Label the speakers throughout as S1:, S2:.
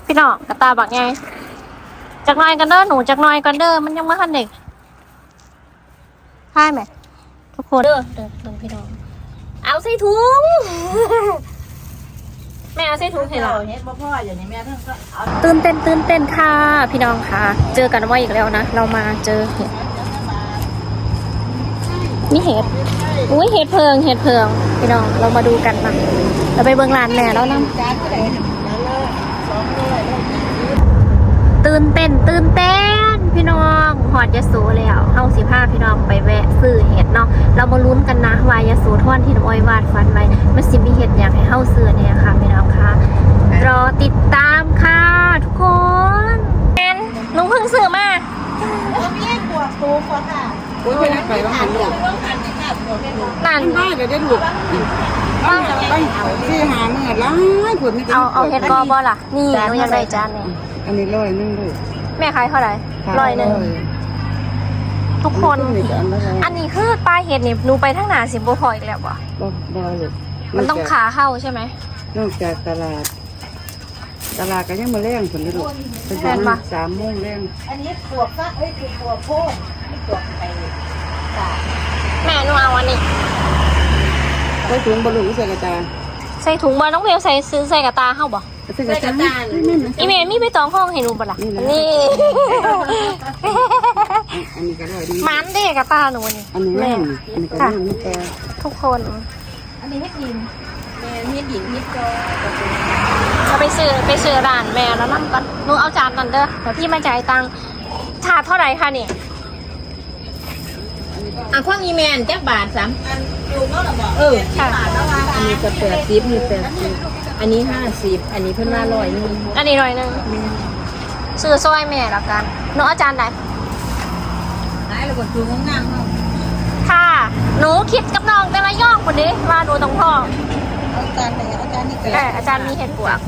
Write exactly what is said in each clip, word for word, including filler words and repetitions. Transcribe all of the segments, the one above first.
S1: พี่น้องกระตาบักไงจักหน่อยกันเด้อหนูจักหน่อยกันเด้อมันยังไม่ทันเด็กใช่ไหมทุกคนเด้อเด้อเด้อพี่น้องเอาใส่ถุงแม่เอาใส่ถุงให้เราตื่นเต้นตื่นเต้นค่ะพี่น้องค่ะเจอกันว่าอีกแล้วนะเรามาเจอเห็ดนี่เห็ดอุ้ยเห็ดเพิงเห็ดเพิงพี่น้องเรามาดูกันนะเราไปเบิ่งร้านแม่แล้วนะตื่นเต้นตื่นเต้นพี่น้องหอดยะโสแล้วเฮาสิพาพี่น้องไปแวะซื้อเห็ดเนาะเรามาลุ้นกันนะว่ายะโสธรที่น้องอ้อยวาดฝันไว้มันสิมีเห็ดอย่างให้เฮาซื้อเนี่ยค่ะพี่น้องค่ะรอติดตามค่ะทุกคนแอนลุงเพิ่งซื้อมา
S2: เราไม่ได้ปวดตูปวดค่ะ
S3: โอ้ยไปนั่งไปบ้างหันลูก
S1: นั่น
S3: บ้านเดี๋ยวได้ลูกบ้านไปที่หาเมื่อร้ายผลไม่ได้
S1: เอาเอาเห็ดกอบ่ล่ะนี่หนูอยากได้จานนี่
S3: อันนี้ร้อยนึงลูก
S1: แม่ขายเท่าไหร่ร้อยหนึ่งทุกคนอันนี้คือปลาเห็ดนี่หนูไปทั้งหนาสิบโบพออีกแล้ววะ
S3: บ่เลย
S1: มันต้องขาเข้าใช่ไหม
S3: นอกจากตลาดตลาดก็ยังมาแรงผลได้ลูกเป็นมาสามโมงแรง
S2: อันนี้ปวดฟักเอ้ยปวดโพดปวดไป
S1: แม่หนูเอาอันนี้
S3: ใส่ถุงบอลลูนใส่กระจา
S1: ใส่ถุงมาต้องเพลใส่ซื้อใส่กระตาเข้าบ่
S3: ใส่กระจา
S1: อีเมลมีไปตองห้องให้หนูบ่ล่ะนี่
S3: อันนี้ก็ได้ดี
S1: มันเด็กกระตาหนูนี่
S3: อันนี้แม่อันนี้ก็ได้มีแต่
S1: ทุกคน
S2: อันนี้ให้ดินแม่มีดินมีจอ
S1: เราไปซื้อไปซื้อร้านแม่แล้วนั่งกันหนูเอาจานนั่นเด้อเดี๋ยวพี่มาจ่ายตังค์ถาดเท่าไหร่คะนี่
S2: อ่ะข้างอีเมลแจ็คบาทสามอันอยู่ก็ระบอก
S1: เออค่ะ
S2: อันนี้จะแปดสิบนี่แปดสิบอันนี้ห้าสิบอันนี้เพิ่มมาร้อยนึง
S1: อันนี้ร้อยนึงซื้อซอยแม่ละกันหนูเอาจานไหน
S2: ไหนเราก็ดูงามๆ
S1: ค่ะหนูคิดกับน้องแต่ละย่องคนนี้ว่าหนูต้องพ่อ
S2: เอาจานไหนเอาจานนี้ก็
S1: ได้อาจารย์มีเห็ดปวก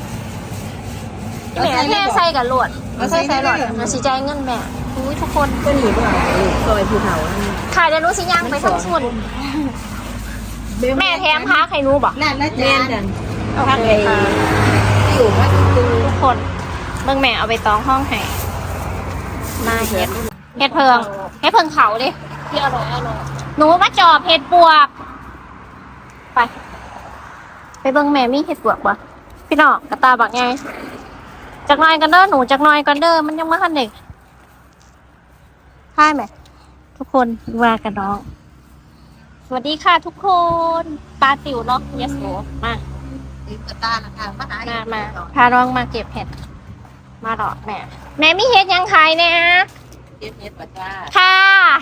S1: แม่แค่ใส่กับหลวดไม่ใส่ใส่หลอดมาสีใจเงินแม่อุ้ยทุกคน
S2: ก็หนีบ่ซอยภูเขา
S1: ค่ะเดี๋ยวหนูสิย่างไปทั้งส่วนแม่แถมพักให้หนูบอก
S2: นั่นนะจาน
S1: พักเลย
S2: อยู่ว่า
S1: ทุกคนเบิ่งแม่เอาไปตองห้องให้มาเห็ดเห็ดเพิงเห็ดเพิงเขาดิที่อร่อยอร่อยหนูมาจอบเห็ดปวกไปไปเบิ่งแม่มีเห็ดปวกปะพี่น้องกระตาบักไงจักหน่อยกันเด้อหนูจักหน่อยกันเด้อมันยังไม่ทันเด็กใช่ไหมทุกคนว่ากันน้องสวัสดีค่ะทุกคนตาติ๋วเนาะยะโสมา
S2: กระตานะคะมาหา
S1: มามาพาน้องมาเก็บเห็ดมาหรอแม่แม่มีเห็ดยังขายเนี่ย
S2: เก็บเห็ดปะจ้า
S1: ค่ะ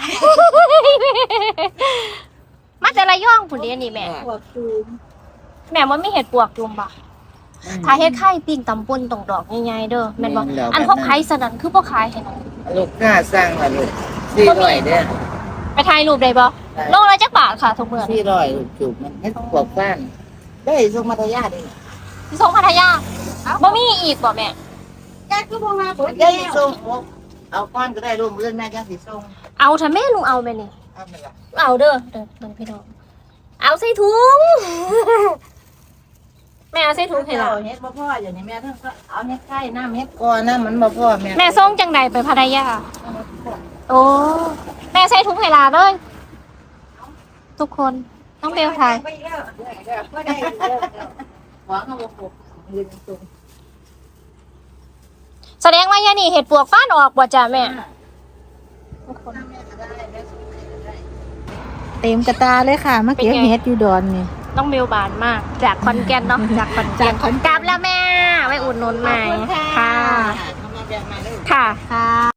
S1: มาแต่ละย่องผุนเดียนี่แม่แม่ว่ามีเห็ดปวกจุ่มบ่ถ้าเห็ดไข่ปิ้งตำป่นตรงดอกใหญ่ๆเด้อแม่นบ่อันพวกขายสนั่นคือพวกขายให้น้อง
S3: ลูกค้าสั่งล่ะลูกสี่ร้อยเด้อ
S1: ไปถ่ายรูปได้บ่โลละจักบาทค่ะทุกมื้อ
S3: สี่ร้อยจุ่มมันเฮ็ดปวกบ้านได้ส่งมาทยาดิ
S1: สิส่งพัทยาบ่มีอีกบ่แม่
S2: แก้คือบ่มาบ่
S3: ได้ส่งเอาก้อนก็ได้ร่วมเรื่องแม่จังสิส่ง
S1: เอาถ้าแม่ลุงเอาแม่นี่
S3: เอาแม่ล่ะ
S1: เอาเด้อเด้อเด้อพี่น้องเอาใส่ถุงแม่เอาใส่ถุงให้เรา
S2: เฮ็ดบ่พออย่างนี้แม่เพิ่นก็เอาเฮ็ดไข่น้ำเฮ็ด
S3: ก่อนน้ำมันบ่พอแม่
S1: แม่ส่งจังใดไปพัทยาโอ้แม่ใส่ถุงให้ลาเลยทุกคนต้องเบลถ่ายแสดงว่ายานี่เห็ดปวกฟ้านออกบ่จ้ะแม่
S2: เต็มกระตาเลยค่ะมาเก็บเห็ดอยู่ดอนนี่
S1: ต้องเบลบานมากจากคอนแก่นเนาะจากคอนแก่นกลับแล้วแม่ไว้อุดหนุนใหม่ค่ะค่ะค่ะ